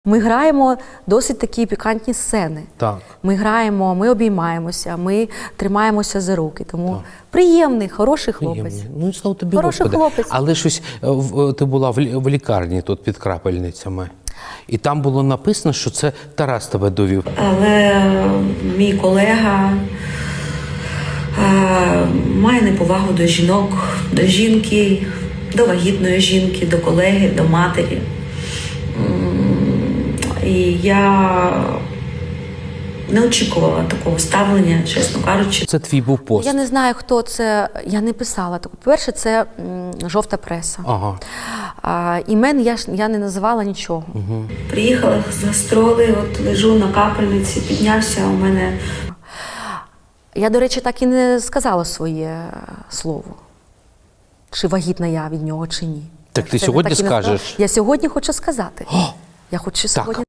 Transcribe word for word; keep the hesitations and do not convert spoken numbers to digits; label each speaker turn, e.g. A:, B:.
A: Ми граємо досить такі пікантні сцени.
B: Так.
A: Ми граємо, ми обіймаємося, ми тримаємося за руки. Тому
B: Так.
A: приємний, хороший хлопець.
B: Приємний. Ну і слава тобі,
A: Хороший
B: Господи.
A: хлопець.
B: Але щось, е, в- ти була в лі- в лікарні тут під крапельницями. І там було написано, що це Тарас тебе довів.
C: Але мій колега е, має неповагу до жінок, до жінки, до вагітної жінки, до колеги, до матері. М, І я не очікувала такого ставлення, чесно кажучи.
B: Це твій був пост.
A: Я не знаю, хто це, я не писала. По-перше, це м, жовта преса.
B: Ага.
A: А, імен я, ж- я не називала нічого.
C: Приїхала з гастролей, от лежу на капельниці, піднявся у мене.
A: Я, до речі, так і не сказала своє слово. Чи вагітна я від нього, чи ні.
B: Так
A: Я
B: ти
A: це
B: сьогодні
A: так і не сказала.
B: скажеш?
A: Я сьогодні хочу сказати.
B: О!
A: Я хочу
B: Так.
A: сьогодні